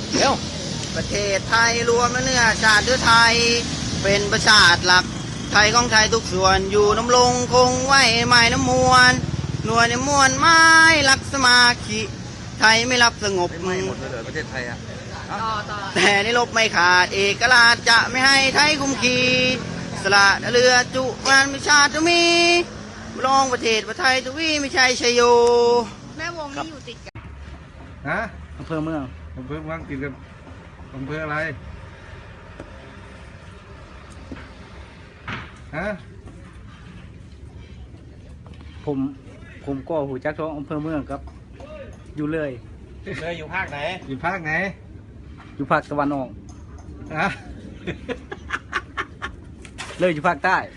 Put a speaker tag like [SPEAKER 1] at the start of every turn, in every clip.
[SPEAKER 1] เร็ว
[SPEAKER 2] ประเทศไทยรวมเนื้อชาติเนื้อไทยเป็นประชาติหลักไทยของไทยทุกส่วนอยู่น้ำลงคงไว้ไม่น้ำมวลหน่วยในมวลไม้รักสมาธิไทยไม่รับสงบ
[SPEAKER 1] ไม่หมดเลยประเทศไทยอ่ะ
[SPEAKER 2] แต่ในลบไม่ขาดเอกราชจะไม่ให้ไทยคุมขีสละเรือจุมันไม่ชาติจะมีรองประเทศประไทยทวีไม่ใช่ชัยโย
[SPEAKER 3] แม่วงนี่อยู่ติดกัน
[SPEAKER 1] ฮะ
[SPEAKER 2] อำเภอเมือง
[SPEAKER 1] ติดกับอำเภออะไรฮะ
[SPEAKER 2] ผมก็หูจักท้องอำเภอเมืองครับอยู่เลย
[SPEAKER 1] อยู่ภาคไหนอยู่ภาคไหน
[SPEAKER 2] อยู่ภาคตะวันออก
[SPEAKER 1] ฮะ
[SPEAKER 2] เลยอยู่ภาคใต้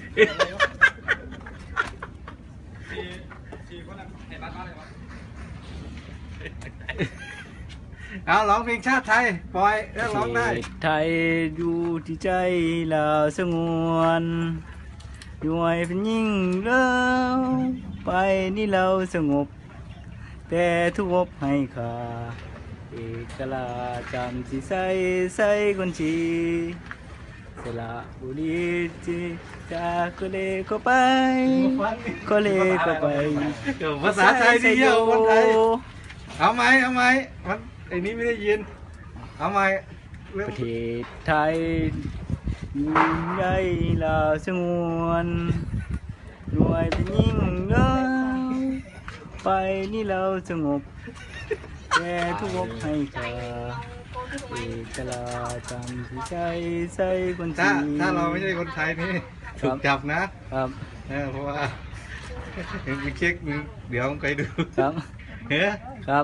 [SPEAKER 1] เอาร้องเพลงชาติไทยปล่อยร้องได้
[SPEAKER 2] ไทยอยู่ที่ใจเราสงวนด้วยเป็นยิ่งเล่าไปนี่เราสงบแต่ทุกบให้ค่าเอกราชจำสิใส่คนชีสละบุรีจีจากก็เลยก็ไปก็เลยก็ไป
[SPEAKER 1] ภาษาไทยดีเยอะคนไทยเอาไหมมันไอ้นี้ไม่ได้ยินเอาไหม
[SPEAKER 2] ประเทศไทยอยู่ในเราสงวนหน่วยเป็นยิ่งเล่าไปนี่เราสงบแต่ทุกบให้ค่าเอกราชจำที่ใส่คนชี
[SPEAKER 1] ถ้าเราไม่ใช่คนไทยนี่ถูกจับนะครับเพราะว่าไปเช็คเดี๋ยวไปดู
[SPEAKER 2] ครับครับ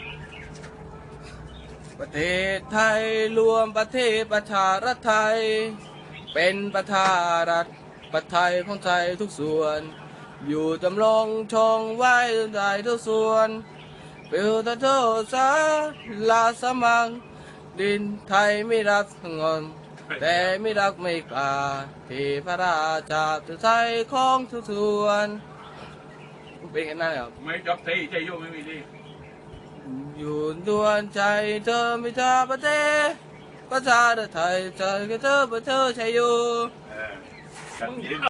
[SPEAKER 4] ประเทศไทยรวมประเทศประชารัฐไทยเป็นประชารัฐประไทยของไทยทุกส่วนอยู่จำลองชองไว้ได้ทุกส่วนเปิดโทษสาลาสมังดินไทยไม่รักสงบแต่ไม่รักไม่กล้าที่พระราชาไทยของทุกส่วนเป็นกันนั่นครับ
[SPEAKER 1] ไม่จบทีใจโยไม่มีดี
[SPEAKER 4] อยู่ดวนใจเธอไม่ชาประเทศประชาไทยใจกับเธอประเทศชัยอยู่